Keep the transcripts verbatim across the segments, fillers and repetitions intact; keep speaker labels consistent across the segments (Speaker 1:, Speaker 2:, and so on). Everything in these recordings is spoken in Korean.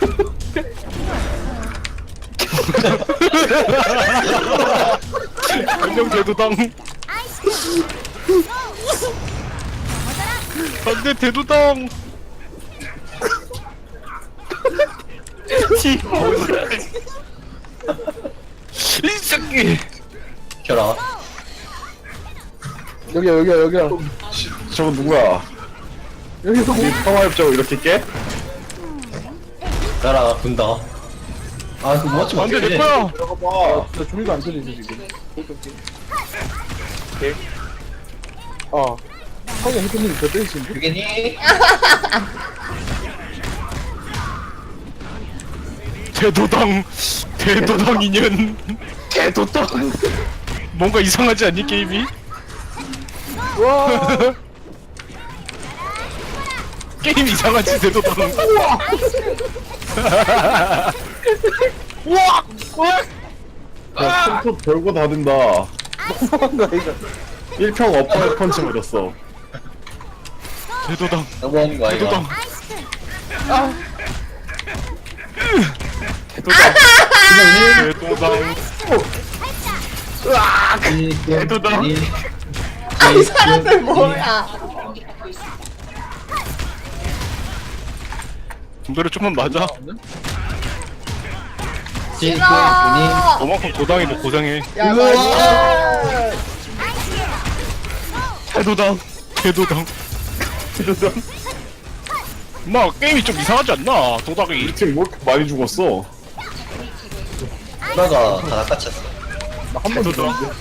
Speaker 1: 안녕 대도당. 안돼 대도당. 이 새끼.
Speaker 2: 켜라.
Speaker 3: 여기야 여기야 여기야
Speaker 4: 저건 누구야?
Speaker 3: 여기서 뭐
Speaker 4: 이 평화협정 이렇게 깨?
Speaker 2: 나라 군다. 아, 그 멋지
Speaker 1: 안돼
Speaker 2: 못해.
Speaker 1: 내 거야.
Speaker 4: 들어가봐.
Speaker 3: 나 종이가 안 들리지 지금 아 형이 해피님이 저 때리시는데?
Speaker 2: 그게니?
Speaker 1: 대도당. 대도당 인연.
Speaker 4: 개도떡.
Speaker 1: 뭔가 이상하지 않니 게임이?
Speaker 3: 와
Speaker 1: 게임 이상하지 대도당.
Speaker 4: 야, 톱톱 별거 다 된다.
Speaker 3: 너무한가 이거
Speaker 4: 일 평 어퍼 펀치 맞았어.
Speaker 1: 대도당.
Speaker 2: 너무하는 거 아이가?
Speaker 1: 대도당.
Speaker 2: 그게니?
Speaker 1: 대도당.
Speaker 2: 대도당.
Speaker 5: 아, 이 사람들 뭐야?
Speaker 1: 분들을 좀만 맞아.
Speaker 2: 그게니?
Speaker 5: 아,
Speaker 1: 너만큼 도당이 뭐 고생해.
Speaker 5: 야,
Speaker 3: 일로
Speaker 5: 맞아.
Speaker 3: 와
Speaker 1: 대도당. 대도당. 대도당. 나 게임이 좀 이상하지 않나? 도당이
Speaker 4: 이 팀 뭐 이렇게 많이 죽었어?
Speaker 2: 누나가 다 낚아챘어.
Speaker 3: 나한번
Speaker 1: 대도당.
Speaker 3: 죽었는데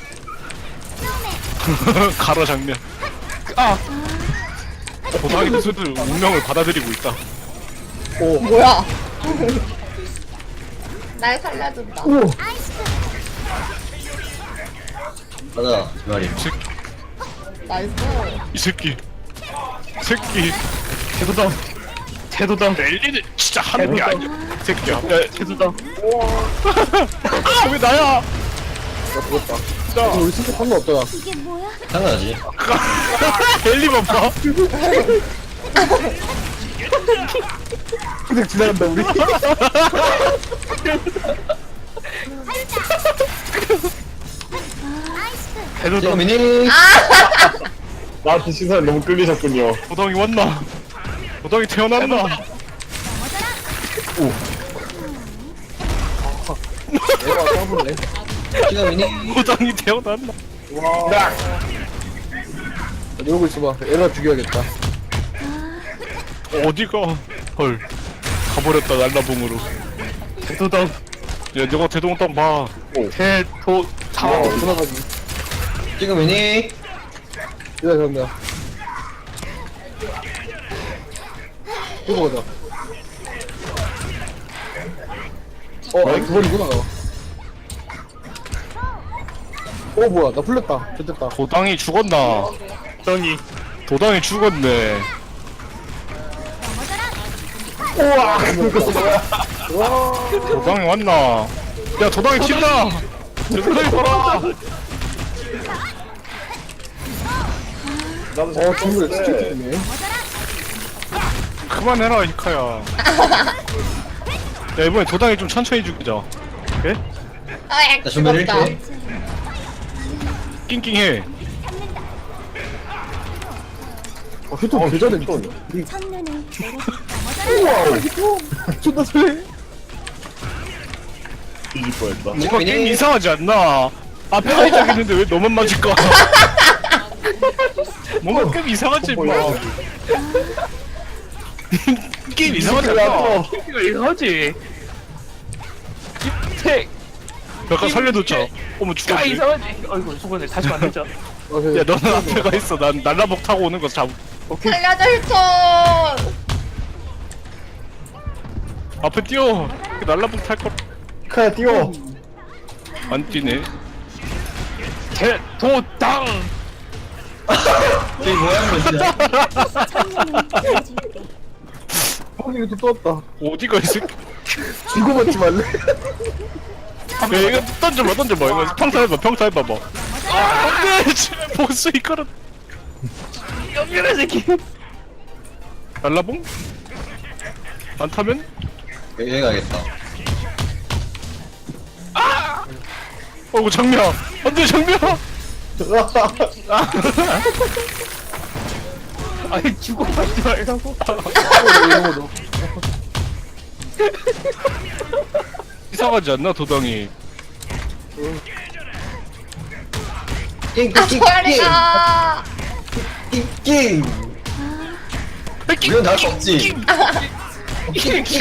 Speaker 1: 가라 장면. 아. 도당이 스스로 운명을 받아들이고 있다.
Speaker 3: 오
Speaker 5: 뭐야? 날 살려준다.
Speaker 3: 오
Speaker 2: 맞아, 두 마리.
Speaker 1: 이 새끼.
Speaker 5: 나이스.
Speaker 1: 이 새끼. 새끼. 대도당. 대도당. 랠리는 진짜 하는 게 아니야. 새끼야. 야, 대도당. 아, 왜 나야?
Speaker 3: 나 죽었다
Speaker 1: 나.
Speaker 3: 우리 진짜 상관없잖아
Speaker 2: 당연하지.
Speaker 1: 랠리만 봐.
Speaker 3: 그냥 지나간다 우리
Speaker 1: 대도당.
Speaker 2: 그게니?
Speaker 4: 나한테 시선이 너무 끌리셨군요.
Speaker 1: 도당이 왔나? 도당이 태어났나?
Speaker 3: 내가 까불래
Speaker 2: 그게니?
Speaker 1: 도당이 태어났나?
Speaker 3: 와 이러고 있어봐 에라 죽여야겠다
Speaker 1: 어디가? 헐. 가버렸다 날라봉으로. 대도당. 야, 너가 대동당 봐. 대도.
Speaker 3: 아 돌아가기
Speaker 2: 그게니?
Speaker 3: 이거 정답 이거 가자 어 아니 그거이구나 어 뭐야 나 풀렸다 됐다
Speaker 1: 도당이 죽었나? 도당이. 도당이 죽었네.
Speaker 3: 와
Speaker 1: 도당이 왔나? 야 도당이 튄다! 도당이 돌아!
Speaker 4: 나도
Speaker 3: 어 정글 스킬이네
Speaker 1: 그만해라 히카야. 야 이번에 도당이 좀 천천히 죽이자. 그래?
Speaker 5: 아,
Speaker 2: 나 정말
Speaker 5: 죽었다.
Speaker 2: 이렇게.
Speaker 1: 낑낑해.
Speaker 3: 어 휴통 개잘해 휴통 우와 휴통 존나 잘해
Speaker 4: 뒤질 뻔했다.
Speaker 1: 뭔가
Speaker 2: 그래.
Speaker 1: 게임 이상하지 않나? 앞에 하이작 있는데 왜 너만 맞을까? 뭔가 게임 이상하지 임마. 게임 이상하지 않나? 게임이 이상하지. 태 약간 살려놓자. 어머 죽었지.
Speaker 6: 이상하지. 어이구, 수건을 다시 만들자.
Speaker 3: 어,
Speaker 1: 야 너는 앞에 가 있어. 난 날라복 타고 오는 거 잡.
Speaker 5: 살려줘, 휴톤.
Speaker 1: 앞에 뛰어. 날라복 탈 거.
Speaker 4: 카야 뛰어.
Speaker 1: 안 뛰네. 대도당.
Speaker 2: 저기 뭐야, 진짜.
Speaker 3: 어 이거 또 떴다
Speaker 1: 어디가 이 새끼.
Speaker 3: 이거 맞지 말래?
Speaker 1: 야 이거 던져봐 던져봐. 이거 평타 해봐 평타 해봐봐. 아 안돼. 지금 보스 이거는.
Speaker 6: 연결해 새끼.
Speaker 1: 날라봉? 안 타면?
Speaker 2: 여기 가겠다.
Speaker 1: 어구 정면. 안돼 정면.
Speaker 6: 아니 죽어가지 말라고.
Speaker 1: 이상하지 않나 도당이?
Speaker 5: 아 소리가.
Speaker 2: 낑낑. 이건 나할 수 없지. 낑낑낑.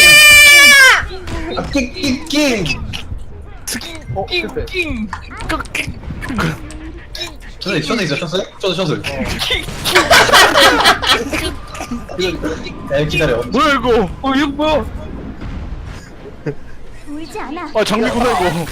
Speaker 2: 아 낑낑낑.
Speaker 3: 어 실패.
Speaker 2: 셔틀 셔틀 있어 셔틀? 셔틀 셔틀. 야 기다려.
Speaker 1: 뭐야 이거? 어 이거 뭐야?
Speaker 7: 울지 않아.
Speaker 1: 아 장비구나 이거.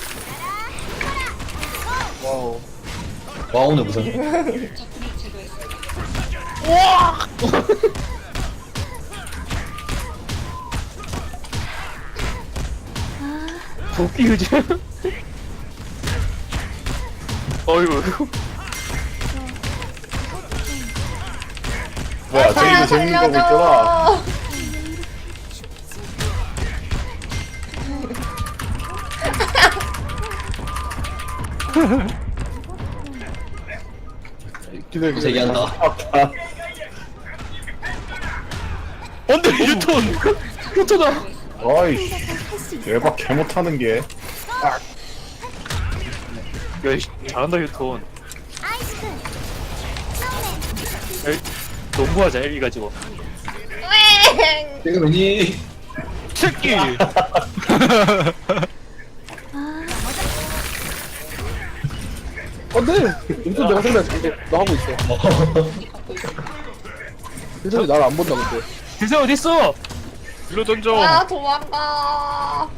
Speaker 3: 와우.
Speaker 2: 와 오늘 무슨?
Speaker 6: 도끼우지. 어이구.
Speaker 4: 뭐야
Speaker 5: 사야
Speaker 4: 저기도 재밌는 거 보고 있잖아.
Speaker 5: 살려줘.
Speaker 3: 기다려 기다려.
Speaker 2: 제기한다.
Speaker 4: 아,
Speaker 1: 안돼 유턴. 유턴아.
Speaker 4: 아이씨 대박 개 못하는 게.
Speaker 6: 야, 이 잘한다 유톤. 에이, 농구하자 일 가지고.
Speaker 5: 웽.
Speaker 2: 지금 왜니?
Speaker 1: 새끼.
Speaker 3: 안돼. 임선 내가 생각해. 너 하고 있어. 임선이 나를 안 본다 근데.
Speaker 6: 대세 어디 있어?
Speaker 1: 일로 던져.
Speaker 5: 아 도망가.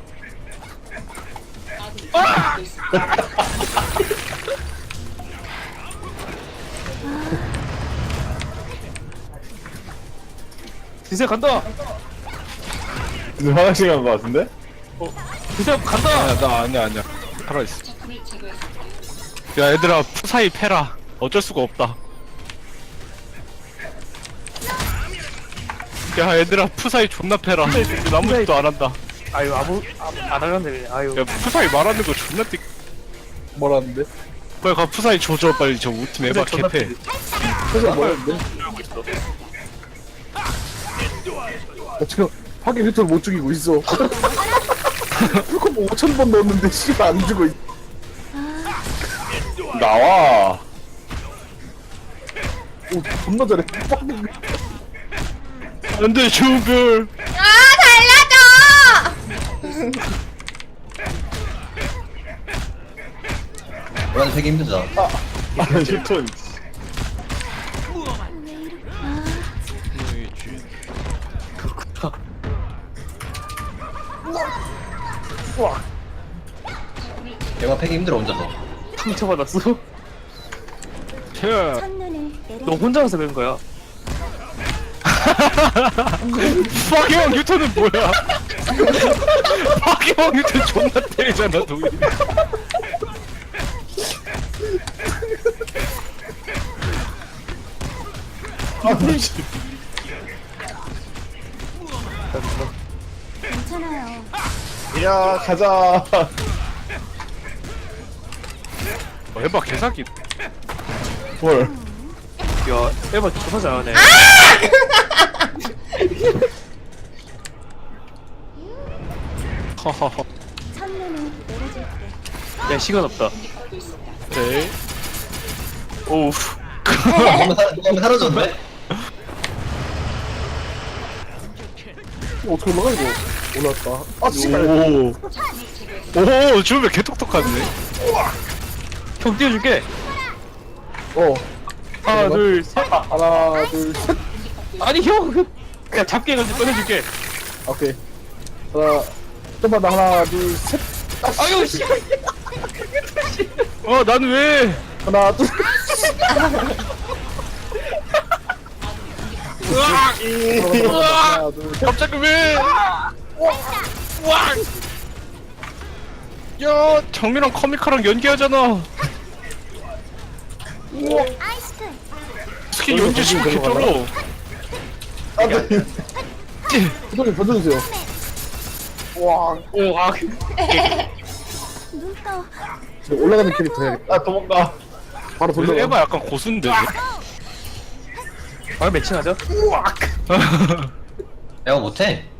Speaker 6: 대세 간다.
Speaker 4: 이제 화장실 간 거 같은데?
Speaker 6: 대세 간다.
Speaker 1: 아니야 나 아니야 아니야. 살아있어. 야 얘들아 푸사이 패라. 어쩔 수가 없다. 야 얘들아 푸사이 존나 패라. 아무 짓도 안 한다.
Speaker 6: 아유 아무 아, 안 하는데 아유.
Speaker 1: 야 푸사이 말하는 거 존나 띠.
Speaker 3: 뭐라는데?
Speaker 1: 빨리 가 푸사이 조져 빨리 저 우리 팀 에바
Speaker 6: 존나
Speaker 1: 개패.
Speaker 3: 그래서 뭐라는데? 나 지금 하긴 히트를 못 죽이고 있어. 풀콤보 오천 번 넣었는데 씨가 안 죽어. 있-
Speaker 4: 나와.
Speaker 3: 오 존나 잘해.
Speaker 1: 안돼 주별.
Speaker 5: 아 살려줘.
Speaker 2: 원래 되게 힘들잖아.
Speaker 4: 아 휴톤.
Speaker 2: 얘가 패기 힘들어 혼자서.
Speaker 6: 상처 받았어?
Speaker 1: 쟤.
Speaker 7: 첫눈을 내려.
Speaker 6: 너 혼자서 그런 거야.
Speaker 1: 파괴왕 뉴턴은 뭐야? 파괴왕 뉴턴 존나 때리잖아 동이.
Speaker 7: 괜찮아요.
Speaker 4: 야 가자.
Speaker 1: 어, 해봐 개사기.
Speaker 4: 뭘?
Speaker 6: 야 에바 존나 잘하네.
Speaker 1: 하하하.
Speaker 7: 첫눈을 내려줄게.
Speaker 6: 야 시간 없다.
Speaker 1: 네.
Speaker 6: 오우.
Speaker 2: 누가 한번 사- 누가 한번 사라졌네?
Speaker 3: 어떻게 올라가 이거? 올라왔다. 아 씨발.
Speaker 1: 오. 오 주변 개똑똑하네.
Speaker 6: 형 띄워줄게.
Speaker 3: 어.
Speaker 6: 하나 둘 셋.
Speaker 3: 하나 둘 셋.
Speaker 6: 아니 형. 야 잡게 해가지고 꺼내줄게.
Speaker 3: 오케이. 하나. 좀만 더 하나 둘 셋.
Speaker 6: 아유 씨.
Speaker 1: 어 난 왜?
Speaker 3: 하나 둘. 하나 둘 셋.
Speaker 1: 갑자기 왜? 와! 야 정민랑 커미카랑 연기하잖아.
Speaker 7: 아이스크림.
Speaker 1: 스킨 연기 시고 개쩔어.
Speaker 3: 안돼. 구독님 던져주세요. 와,
Speaker 6: 오아
Speaker 7: 눈 떠.
Speaker 3: 저 올라가는 캐릭터 해야겠다.
Speaker 4: 아 도망가.
Speaker 3: 바로
Speaker 1: 그래서
Speaker 3: 돌려.
Speaker 1: 에바 약간 고수인데.
Speaker 6: 바로 매칭하자.
Speaker 2: 내가 못해.